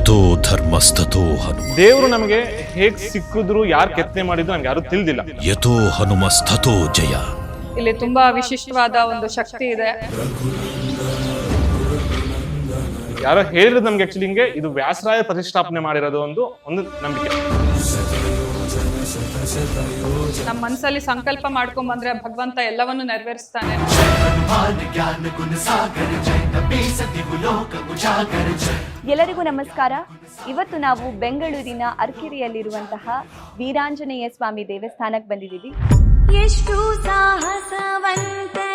ಯಥೋ ಧರ್ಮಸ್ತಥೋ ಹನುಮ. ದೇವರು ನಮಗೆ ಹೇಗ್ ಸಿಕ್ಕಿದ್ರು, ಯಾರು ಕೆತ್ತನೆ ಮಾಡಿದ್ರು ನಮ್ಗೆ ಯಾರು ತಿಳಿದಿಲ್ಲ. ಯಥೋ ಹನುಮಸ್ತಥೋ ಜಯ. ಇಲ್ಲಿ ತುಂಬಾ ವಿಶಿಷ್ಟವಾದ ಒಂದು ಶಕ್ತಿ ಇದೆ. ಯಾರೋ ಹೇಳಿರೋದು ನಮ್ಗೆ ಆಕ್ಚುಲಿ ಹಿಂಗೆ ಇದು ವ್ಯಾಸರಾಯ ಪ್ರತಿಷ್ಠಾಪನೆ ಮಾಡಿರೋದು ಒಂದು ನಂಬಿಕೆ. ನಮ್ಮ ಮನಸ್ಸಲ್ಲಿ ಸಂಕಲ್ಪ ಮಾಡ್ಕೊಂಡ್ ಬಂದ್ರೆ ಭಗವಂತ ಎಲ್ಲವನ್ನು ನೆರವೇರಿಸ್ತಾನೆ. ಎಲ್ಲರಿಗೂ ನಮಸ್ಕಾರ. ಇವತ್ತು ನಾವು ಬೆಂಗಳೂರಿನ ಅರ್ಕೆರೆಯಲ್ಲಿರುವಂತಹ ವೀರಾಂಜನೇಯ ಸ್ವಾಮಿ ದೇವಸ್ಥಾನಕ್ಕೆ ಬಂದಿದ್ದೀವಿ. ಎಷ್ಟು ಸಾಹಸವಂತ